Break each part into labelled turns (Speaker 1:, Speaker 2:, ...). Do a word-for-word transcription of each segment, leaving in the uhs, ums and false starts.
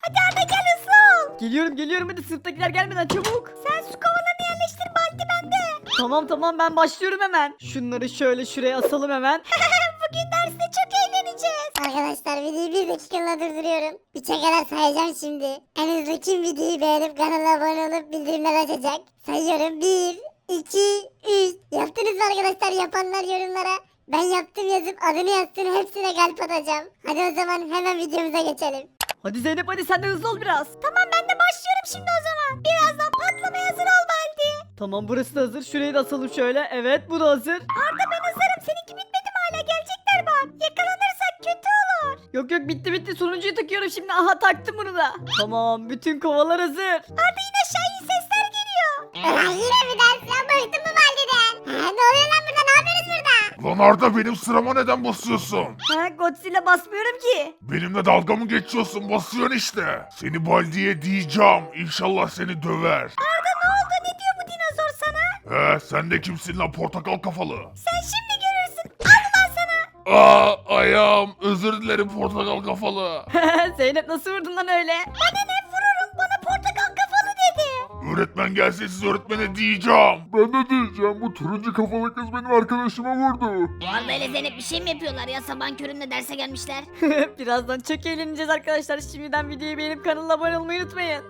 Speaker 1: Hadi Arda gel hızlı ol.
Speaker 2: Geliyorum geliyorum hadi sınıftakiler gelmeden çabuk.
Speaker 1: Sen su kovalarını yerleştir Baldi bende.
Speaker 2: Tamam tamam ben başlıyorum hemen. Şunları şöyle şuraya asalım hemen.
Speaker 1: Bugün derste çok eğleneceğiz.
Speaker 3: Arkadaşlar videoyu bir dakikalığına durduruyorum. Üçe kadar sayacağım şimdi. En hızlı kim videoyu beğenip kanala abone olup bildirimler açacak? Sayıyorum. Bir, iki, üç. Yaptınız mı arkadaşlar? Yapanlar yorumlara. Ben yaptım yazıp adını yazsın, hepsine kalp atacağım. Hadi o zaman hemen videomuza geçelim.
Speaker 2: Hadi Zeynep hadi sen de hızlı ol biraz.
Speaker 1: Tamam ben de başlıyorum şimdi o zaman. Birazdan patlamaya hazır ol Baldi.
Speaker 2: Tamam burası da hazır. Şurayı da asalım şöyle. Evet bu da hazır.
Speaker 1: Arda ben hazırım. Seninki bitmedi mi hala? Gelecekler bak. Yakalanırsak kötü olur.
Speaker 2: Yok yok bitti bitti. Sonuncuyu takıyorum şimdi. Aha taktım bunu da. Tamam bütün kovalar hazır.
Speaker 1: Arda yine aşağı iyi sesler geliyor.
Speaker 3: Ulan yine mi ders ya? Bıktım bu valideden. Ha, ne oluyor lan burada? Ne yapıyoruz burada?
Speaker 4: Lan Arda benim sırama neden basıyorsun?
Speaker 2: Ha Godzilla basmıyorum ki.
Speaker 4: Benimle dalga mı geçiyorsun? Basıyorsun işte. Seni Baldi'ye diyeceğim. İnşallah seni döver.
Speaker 1: Arda ne oldu? Ne diyor bu dinozor sana?
Speaker 4: He sen de kimsin lan portakal kafalı?
Speaker 1: Sen şimdi görürsün. Al ulan sana.
Speaker 4: Aa ayağım. Özür dilerim portakal kafalı.
Speaker 2: Zeynep nasıl vurdun lan öyle?
Speaker 1: Bana ne vururum? Bana portakal kafalı dedi.
Speaker 4: Öğretmen gelse siz öğretmene diyeceğim. Ben de diyeceğim. Bu turuncu kafalı kız benim arkadaşıma vurdu.
Speaker 1: Arda ile Zeynep bir şey mi yapıyorlar ya? Sabahın köründe derse gelmişler.
Speaker 2: Birazdan çok eğleneceğiz arkadaşlar. Şimdiden videoyu beğenip kanala abone olmayı unutmayın.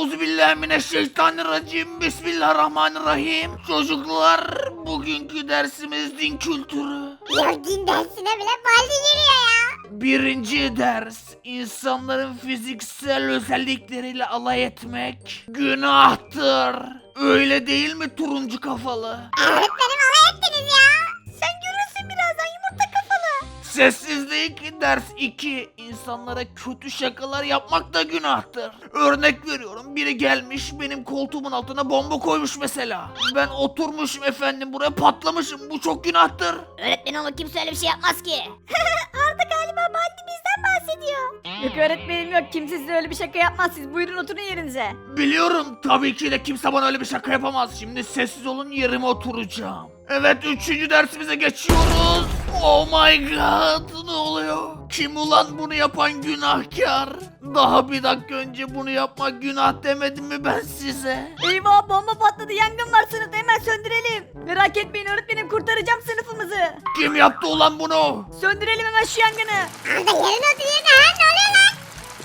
Speaker 4: Euzubillahimineşşeytanirracim. Bismillahirrahmanirrahim. Çocuklar bugünkü dersimiz din kültürü.
Speaker 3: Ya din dersine bile valide giriyor ya.
Speaker 4: Birinci ders, insanların fiziksel özellikleriyle alay etmek günahtır. Öyle değil mi turuncu kafalı?
Speaker 3: Öğretmenim alay ettiniz ya.
Speaker 1: Sen görürsün birazdan yumurta kafalı.
Speaker 4: Sessizlik, ders iki. İnsanlara kötü şakalar yapmak da günahtır. Örnek veriyorum, biri gelmiş benim koltuğumun altına bomba koymuş mesela. Ben oturmuşum efendim buraya patlamışım, bu çok günahtır.
Speaker 1: Öğretmen ama kimse öyle bir şey yapmaz ki. Arda galiba Baldi bizden bahsediyor.
Speaker 2: Yok öğretmenim yok. Kimse size öyle bir şaka yapmaz. Siz buyurun oturun yerinize.
Speaker 4: Biliyorum tabii ki de kimse bana öyle bir şaka yapamaz. Şimdi sessiz olun yerime oturacağım. Evet üçüncü dersimize geçiyoruz. Oh my god ne oluyor? Kim ulan bunu yapan günahkar? Daha bir dakika önce bunu yapmak günah demedim mi ben size?
Speaker 2: Eyvah bomba patladı. Yangın var sınıfta. Hemen söndürelim. Merak etmeyin öğretmenim kurtaracağım sınıfımızı.
Speaker 4: Kim yaptı ulan bunu?
Speaker 2: Söndürelim hemen şu yangını.
Speaker 3: Arda yerine oturuyor da ha, ne oluyor lan?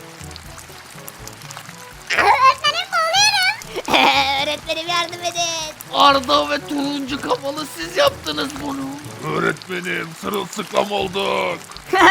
Speaker 3: Aa, öğretmenim boğuluyorum.
Speaker 1: Öğretmenim yardım edin.
Speaker 4: Arda ve turuncu kafalı siz yaptınız bunu. Öğretmenim sırılsıklam olduk.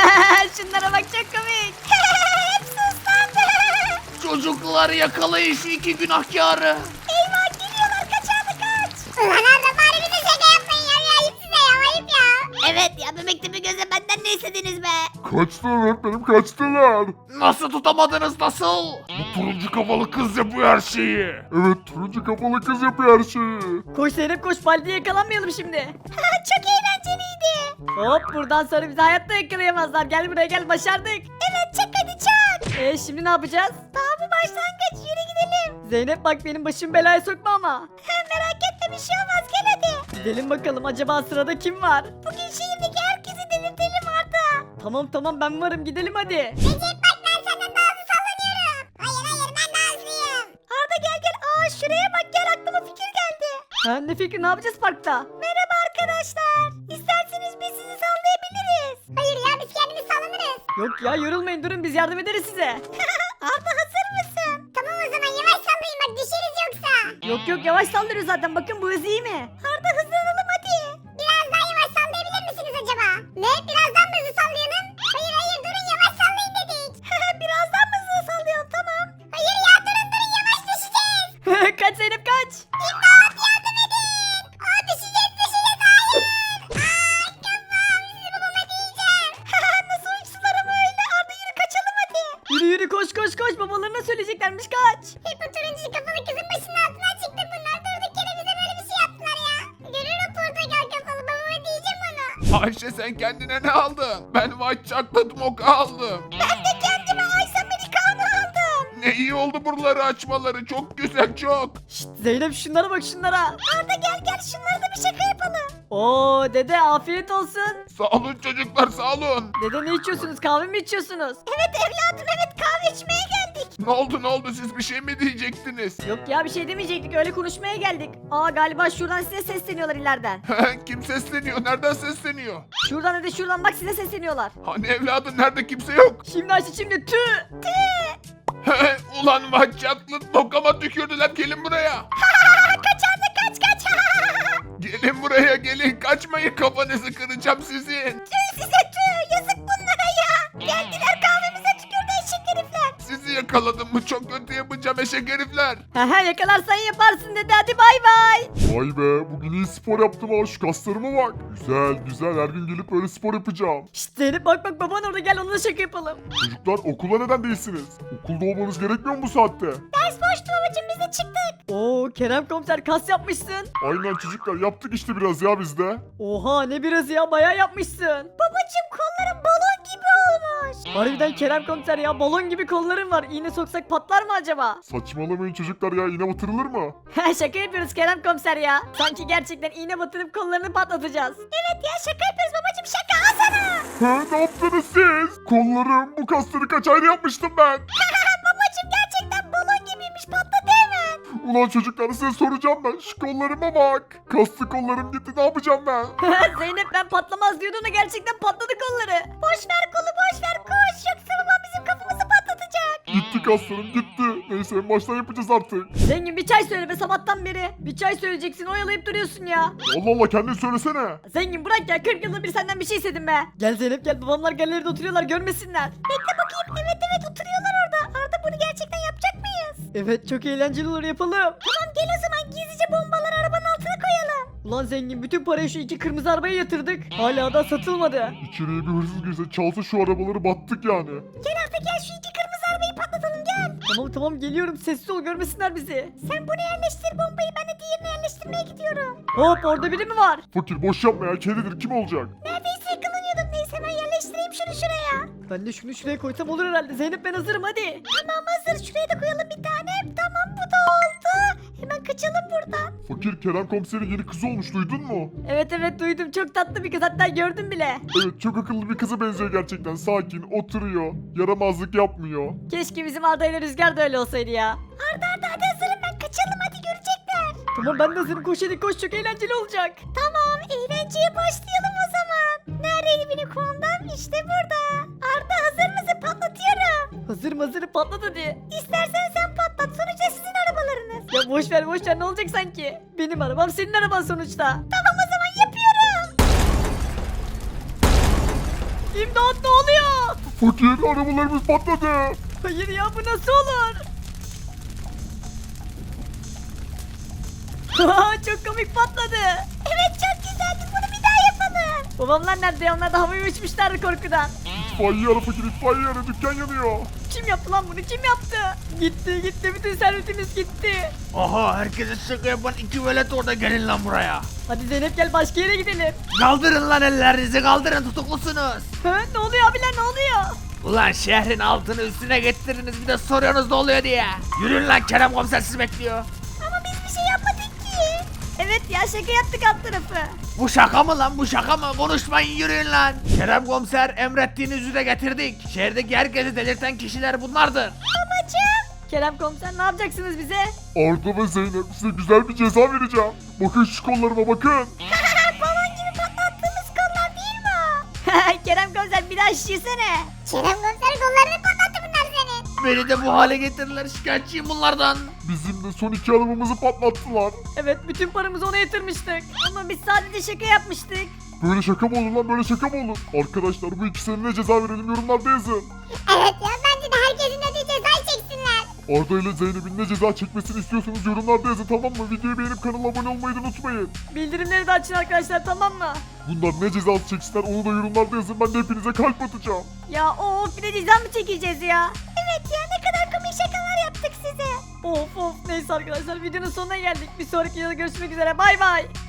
Speaker 2: Şunlara bak çok komik.
Speaker 1: Hepsi ıslandı.
Speaker 4: Çocuklar yakalayın şu iki günahkarı.
Speaker 1: Eyvah geliyorlar kaç Arda kaç.
Speaker 3: Ulan Arda bari bize şaka yapmayın ya. Bir ayıp size ya, ayıp ya.
Speaker 1: Evet ya bebek tepe göze benden ne istediniz be?
Speaker 4: Kaçtılar öğretmenim kaçtılar. Nasıl tutamadınız nasıl? Bu turuncu kafalı kız yapıyor her şeyi. Evet turuncu kafalı kız yapıyor her şeyi.
Speaker 2: Koş Zeynep koş. Baldi'ye yakalanmayalım şimdi.
Speaker 1: Çok eğlenceliydi.
Speaker 2: Hop buradan sonra bizi hayatta yakalayamazlar. Gel buraya gel başardık.
Speaker 1: Evet çak hadi çak.
Speaker 2: E şimdi ne yapacağız?
Speaker 1: Daha bu başlangıç yürü gidelim.
Speaker 2: Zeynep bak benim başım belaya sokma ama.
Speaker 1: Merak etme bir şey olmaz gel hadi.
Speaker 2: Gidelim bakalım acaba sırada kim var?
Speaker 1: Bugün şehirdeki herkesi delirtelim Arda.
Speaker 2: Tamam tamam ben varım gidelim hadi.
Speaker 3: Recep bak ben senden daha hızlı sallanıyorum. Hayır hayır ben daha hızlıyım.
Speaker 1: Arda gel gel. Aa şuraya bak gel aklıma fikir geldi.
Speaker 2: Ha ne fikri ne yapacağız parkta?
Speaker 1: Merhaba arkadaşlar. İsterseniz biz sizi sallayabiliriz.
Speaker 3: Hayır ya biz kendimiz sallanırız.
Speaker 2: Yok ya yorulmayın durun biz yardım ederiz size.
Speaker 1: Arda hazır mısın?
Speaker 3: Tamam o zaman yavaş sallayın bak düşeriz yoksa.
Speaker 2: Yok yok yavaş saldırıyor zaten bakın bu hız iyi mi?
Speaker 1: Arda hızlanalım hadi.
Speaker 3: Biraz daha yavaş sallayabilir misiniz acaba? Ne? Birazdan mı hızlı sallayalım? Hayır hayır durun yavaş sallayın dedik.
Speaker 1: Birazdan mı hızlı sallayalım tamam.
Speaker 3: Hayır ya durun durun yavaş düşeceğiz.
Speaker 2: Kaç Zeynep kaç.
Speaker 3: İmdat yardım edin. Aa düşeceğiz düşeceğiz hayır. Aa kafam sizi babama diyeceğim.
Speaker 1: Nasıl uçtular ama öyle. Arda yürü kaçalım hadi.
Speaker 2: Yürü yürü koş koş koş babalarına söyleyeceklermiş kaç.
Speaker 3: Hep bu turuncu kafalı kızın başının altından çıktı bunlar. Durduk yere bize böyle bir şey yaptılar ya. Görürüm portakal kafalı babama diyeceğim onu.
Speaker 5: Ayşe sen kendine ne aldın? Ben white chocolate mocha aldım.
Speaker 1: Ben de kendime Ice Americano aldım.
Speaker 5: Ne iyi oldu buraları açmaları. Çok güzel çok.
Speaker 2: Şşt Zeynep şunlara bak şunlara.
Speaker 1: Arda gel gel şunlara da bir şaka yapalım.
Speaker 2: Oo dede afiyet olsun.
Speaker 5: Sağ olun çocuklar sağ olun.
Speaker 2: Dede ne içiyorsunuz kahve mi içiyorsunuz?
Speaker 1: Evet evladım evet kahve içmeye geldik.
Speaker 5: Ne oldu ne oldu siz bir şey mi diyecektiniz?
Speaker 2: Yok ya bir şey demeyecektik öyle konuşmaya geldik. Aa galiba şuradan size sesleniyorlar ileriden.
Speaker 5: Kim sesleniyor? Nereden sesleniyor?
Speaker 2: Şuradan hadi şuradan bak size sesleniyorlar.
Speaker 5: Hani evladım nerede kimse yok?
Speaker 2: Şimdi Ayşe şimdi tü.
Speaker 5: Ulan maç çatlı tokama tükürdüler gelin buraya.
Speaker 1: Kaç anne kaç kaç.
Speaker 5: Gelin buraya gelin kaçmayın kafanızı kıracağım sizin.
Speaker 1: Tüh size tüh yazık bunlara ya. Geldiler kahvemize tükürdü eşek herifler.
Speaker 5: Sizi yakaladım mı çok kötü yapacağım eşek herifler.
Speaker 2: Hehe yakalarsan yaparsın dedi hadi bay bay.
Speaker 6: Vay be bugün iyi spor yaptım ha şu kaslarıma bak. Güzel güzel her gün gelip böyle spor yapacağım.
Speaker 2: Şşt Zeynep bak bak baban orada gel onunla şaka yapalım.
Speaker 6: Çocuklar okula neden değilsiniz? Okulda olmanız gerekmiyor mu bu saatte?
Speaker 1: Ders boştu babacım biz de çıktık.
Speaker 2: Oo Kerem komiser kas yapmışsın.
Speaker 6: Aynen çocuklar yaptık işte biraz ya biz de.
Speaker 2: Oha ne biraz ya bayağı yapmışsın.
Speaker 1: Babacım kolların balon gibi olmuş.
Speaker 2: Harbiden Kerem komiser ya balon gibi kolların var. İğne soksak patlar mı acaba?
Speaker 6: Saçmalamayın çocuklar ya iğne batırılır mı?
Speaker 2: Şaka yapıyoruz Kerem komiser ya. Sanki gerçekten iğne batırıp kollarını patlatacağız.
Speaker 1: Evet ya şaka yapıyoruz babacım şaka al sana.
Speaker 6: He ne yaptınız siz? Kollarım bu kasları kaç ayda yapmıştım ben.
Speaker 1: Babacım gerçekten balon gibiymiş patladı hemen.
Speaker 6: Ulan çocuklar size soracağım ben şu kollarıma bak. Kaslı kollarım gitti ne yapacağım ben?
Speaker 2: Zeynep ben patlamaz diyordun da gerçekten patladı kolları.
Speaker 1: Boş ver kolu boş ver koş yoksa babam bizim kafamızı patlatacak.
Speaker 6: Gitti kaslarım gitti. Neyse en baştan yapacağız artık.
Speaker 2: Zengin bir çay söyle be sabahtan beri. Bir çay söyleyeceksin oyalayıp duruyorsun ya.
Speaker 6: Allah Allah kendin söylesene.
Speaker 2: Zengin bırak ya kırk yılda bir senden bir şey istedim be. Gel Zeynep gel babamlar galeride oturuyorlar görmesinler.
Speaker 1: Bekle bakayım evet evet oturuyorlar orada. Arda bunu gerçekten yapacak mıyız?
Speaker 2: Evet çok eğlenceli olur yapalım.
Speaker 1: Tamam gel o zaman gizlice bombaları arabanın altına koyalım.
Speaker 2: Ulan zengin bütün parayı şu iki kırmızı arabaya yatırdık. Hala da satılmadı.
Speaker 6: İçeriye bir hırsız girse çalsa şu arabaları battık yani.
Speaker 1: Gel Arda gel şu iki kırmızı arabayı patlatalım gel.
Speaker 2: Tamam tamam geliyorum sessiz ol görmesinler bizi.
Speaker 1: Sen bunu yerleştir bombayı ben de diğerini yerleştirmeye gidiyorum.
Speaker 2: Hop orada biri mi var?
Speaker 6: Fakir boş yapma ya kedidir kim olacak?
Speaker 1: Neredeyse yakalanıyordum neyse ben yerleştireyim şunu şuraya.
Speaker 2: Ben de şunu şuraya koysam olur herhalde. Zeynep ben hazırım hadi.
Speaker 1: Tamam hazır şuraya da koyalım bir tane. Tamam bu da oldu. Hemen kaçalım buradan.
Speaker 6: Fakir Kerem komiserin yeni kızı olmuş duydun mu?
Speaker 2: Evet evet duydum çok tatlı bir kız hatta gördüm bile.
Speaker 6: Evet çok akıllı bir kıza benziyor gerçekten sakin oturuyor yaramazlık yapmıyor.
Speaker 2: Keşke bizim Arda ile Rüzgar da öyle olsaydı ya.
Speaker 1: Arda Arda hadi hazırım ben kaçalım hadi görecekler.
Speaker 2: Tamam ben de hazırım koş hadi koş çok eğlenceli olacak.
Speaker 1: Tamam eğlenceye başlayalım o zaman. Neredeydi benim kumandam? İşte burada. Arda hazır mısın? Patlatıyorum.
Speaker 2: Hazırım hazırım patlat hadi.
Speaker 1: İstersen sen patlat. Sonuçta sizin arabalarınız.
Speaker 2: Ya boş ver boş ver ne olacak sanki? Benim arabam senin araban sonuçta.
Speaker 1: Tamam o zaman yapıyorum.
Speaker 2: İmdat ne oluyor?
Speaker 6: Fakir arabalarımız patladı.
Speaker 2: Hayır ya bu nasıl olur? Çok komik patladı.
Speaker 1: Evet çok güzeldi. Bunu bir daha yapalım.
Speaker 2: Babamlar nerede ya? Onlar da havaya uçmuşlardı korkudan.
Speaker 6: İtfaiye ara fakir itfaiye ara dükkan yanıyor.
Speaker 2: Kim yaptı lan bunu? Kim yaptı? Gitti gitti bütün servetimiz gitti.
Speaker 4: Aha herkese şaka yapan iki velet orada gelin lan buraya.
Speaker 2: Hadi Zeynep gel başka yere gidelim.
Speaker 4: Kaldırın lan ellerinizi kaldırın tutuklusunuz.
Speaker 2: Ha, ne oluyor abiler ne oluyor?
Speaker 4: Ulan şehrin altını üstüne getirdiniz bir de soruyorsunuz ne oluyor diye. Yürüyün lan Kerem komiser sizi bekliyor.
Speaker 1: Ama biz bir şey yapmadık ki.
Speaker 2: Evet ya şaka yaptık alt tarafı.
Speaker 4: Bu şaka mı lan bu şaka mı? Konuşmayın yürüyün lan. Kerem komiser emrettiğiniz üzere getirdik. Şehirdeki herkesi delirten kişiler bunlardır.
Speaker 1: Babacım.
Speaker 2: Kerem komiser ne yapacaksınız bize?
Speaker 6: Arda ve Zeynep size güzel bir ceza vereceğim. Bakın şu kollarıma bakın.
Speaker 1: Balon gibi patlattığımız kollar değil mi o?
Speaker 2: Kerem komiser bir daha şişirsene.
Speaker 3: Kerem komiser kollarını patlattı bunlar senin.
Speaker 4: Beni de bu hale getirirler şikayetçiyim bunlardan.
Speaker 6: Bizim de son iki arabamızı patlattılar.
Speaker 2: Evet bütün paramızı ona yatırmıştık. Ama biz sadece şaka yapmıştık.
Speaker 6: Böyle şaka mı olur lan böyle şaka mı olur? Arkadaşlar bu ikisine ne ceza verelim yorumlarda yazın.
Speaker 3: Evet ya bence de herkesin ödediği cezayı çeksinler.
Speaker 6: Arda ile Zeynep'in ne ceza çekmesini istiyorsanız yorumlarda yazın tamam mı? Videoyu beğenip kanala abone olmayı da unutmayın.
Speaker 2: Bildirimleri de açın arkadaşlar tamam mı?
Speaker 6: Bunlar ne cezası çeksinler onu da yorumlarda yazın ben de hepinize kalp atacağım.
Speaker 2: Ya of bir de ceza mı çekeceğiz ya?
Speaker 1: Evet ya ne kadar komik şakalar yaptık size.
Speaker 2: Of of neyse arkadaşlar videonun sonuna geldik. Bir sonraki videoda görüşmek üzere bay bay.